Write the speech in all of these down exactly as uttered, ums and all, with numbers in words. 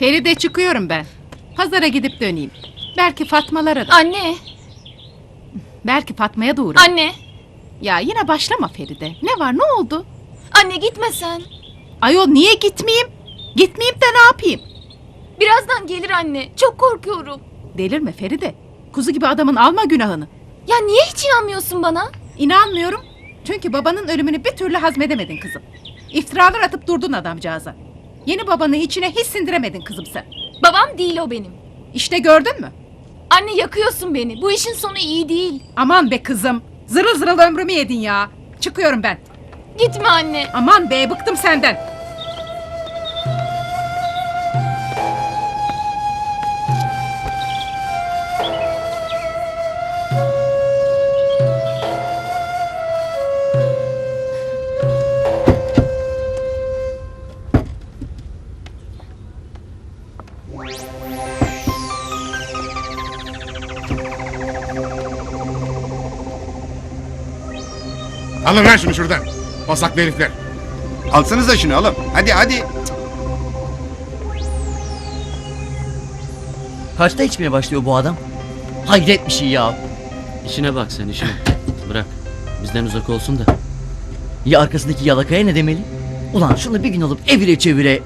Feride çıkıyorum ben. Pazara gidip döneyim. Belki Fatmalara da. Anne, Belki Fatma'ya da uğrarım. anne, Ya yine başlama Feride. Ne var, ne oldu? anne gitme sen. Ayol niye gitmeyeyim? Gitmeyeyim de ne yapayım? Birazdan gelir anne. Çok korkuyorum. Delirme Feride. Kuzu gibi adamın alma günahını. Ya niye hiç inanmıyorsun bana? İnanmıyorum. Çünkü babanın ölümünü bir türlü hazmedemedin kızım. İftiralar atıp durdun adamcağıza. Yeni babanı içine hiç sindiremedin kızım sen. Babam değil o benim. İşte gördün mü? Anne yakıyorsun beni. Bu işin sonu iyi değil. Aman be kızım. Zırıl zırıl ömrümü yedin ya. Çıkıyorum ben. Gitme anne. Aman be, bıktım senden. Alın lan şunu şuradan. Basaklı herifler. Alsanıza şunu oğlum. Hadi hadi. Kaçta içmeye başlıyor bu adam? Hayret bir şey ya. İşine bak sen işine. Bırak. Bizden uzak olsun da. Ya arkasındaki yalakaya ne demeli? Ulan şunu bir gün alıp evire çevire.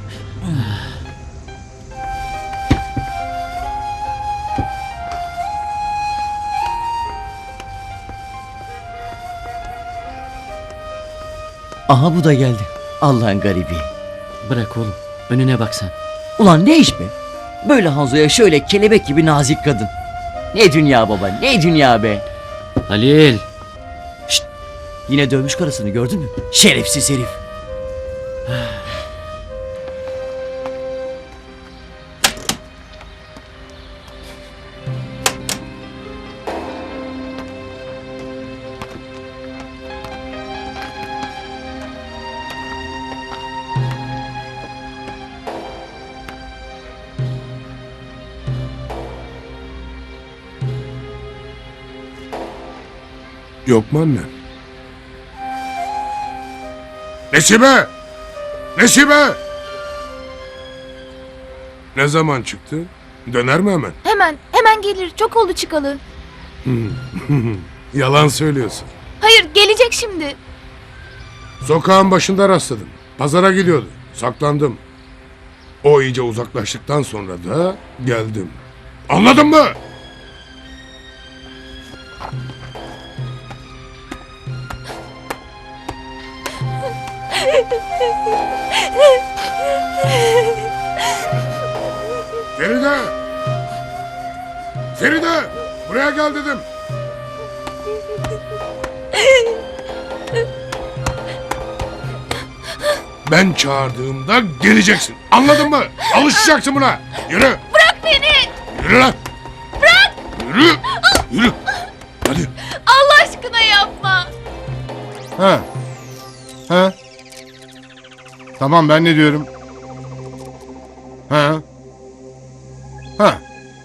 Aha bu da geldi. Allah'ın garibi. Bırak oğlum. Önüne bak sen. Ulan ne iş be? Böyle Hanzo'ya şöyle kelebek gibi nazik kadın. Ne dünya baba, ne dünya be. Halil. Şşt! Yine dövmüş karısını gördün mü? Şerefsiz herif. Yok mu anne? Nesibe! Nesibe! Ne zaman çıktı? Döner mi hemen? Hemen, hemen gelir. Çok oldu çıkalı. Yalan söylüyorsun. Hayır, gelecek şimdi. Sokağın başında rastladım. Pazara gidiyordu. Saklandım. O iyice uzaklaştıktan sonra da geldim. Anladın mı? Feride! Feride! Buraya gel dedim. Ben çağırdığımda geleceksin. Anladın mı? Alışacaksın buna. Yürü. Bırak beni. Yürü lan. Bırak. Yürü. Yürü. Hadi. Allah aşkına yapma. Ha. Ha. Tamam, ben ne diyorum? Ha. Ha.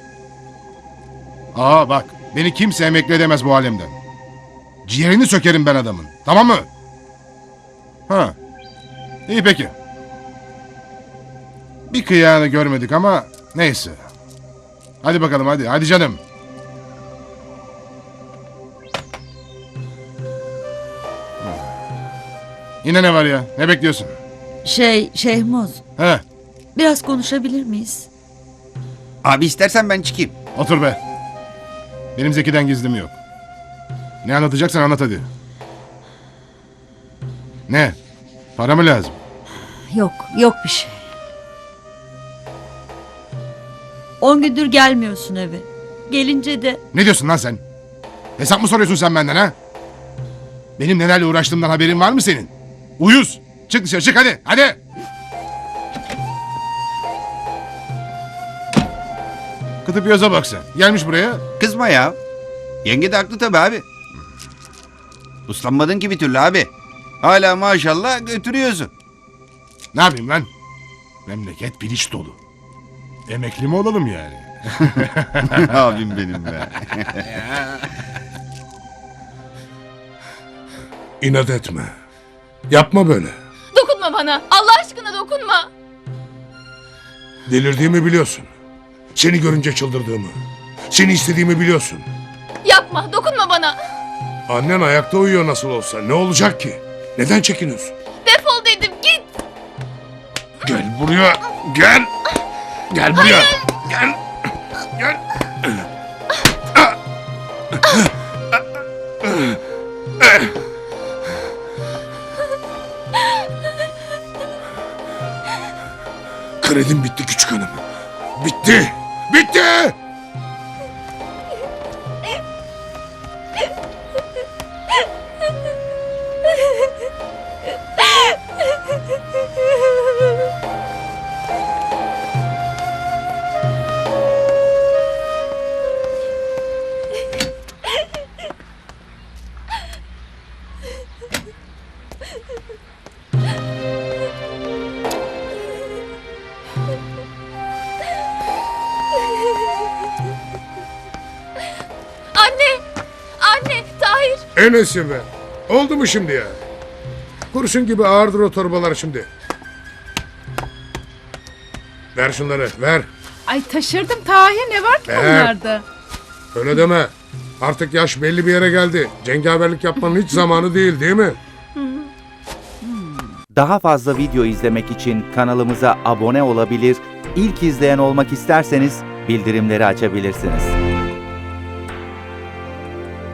Aa bak, beni kimse emekli edemez bu halimden. Ciğerini sökerim ben adamın. Tamam mı? Ha. İyi peki. Bir kıyağını görmedik ama neyse. Hadi bakalım hadi. Hadi canım. Yine ne var ya? Ne bekliyorsun? Şey, Şehmoz, He, biraz konuşabilir miyiz? Abi istersen ben çıkayım. otur be. Benim Zeki'den gizlim yok. Ne anlatacaksan anlat hadi. Ne? Para mı lazım? Yok, yok bir şey. On gündür gelmiyorsun eve. Gelince de Ne diyorsun lan sen? Hesap mı soruyorsun sen benden ha? Benim nelerle uğraştığımdan haberin var mı senin? Uyuz! Çık dışarı, çık hadi, hadi! Kıtıp yoza bak sen. Gelmiş buraya. Kızma ya. Yenge de haklı tabii abi. Uslanmadın ki bir türlü abi. Hala maşallah götürüyorsun. Ne yapayım lan? Memleket piliç dolu. Emekli mi olalım yani? Abim benim be. İnat etme. Yapma böyle. Dokunma bana. Allah aşkına dokunma. Delirdiğimi biliyorsun. Seni görünce çıldırdığımı. Seni istediğimi biliyorsun. Yapma, dokunma bana. Annen ayakta uyuyor nasıl olsa. Ne olacak ki? Neden çekiniyorsun? Defol dedim, git. Gel buraya. Gel. Gel buraya. Gel. Gel. Kredim bitti küçük hanım. Bitti. Bitti. Anne, anne, Tahir. Enes'i be. Oldu mu şimdi ya? Kurşun gibi ağırdır o torbalar şimdi. Ver şunları ver. Ay taşırdım Tahir, ne var ki Ver. bunlarda? Öyle deme. Artık yaş belli bir yere geldi. Cengaverlik yapmanın hiç zamanı değil değil mi? Daha fazla video izlemek için kanalımıza abone olabilir, ilk izleyen olmak isterseniz bildirimleri açabilirsiniz.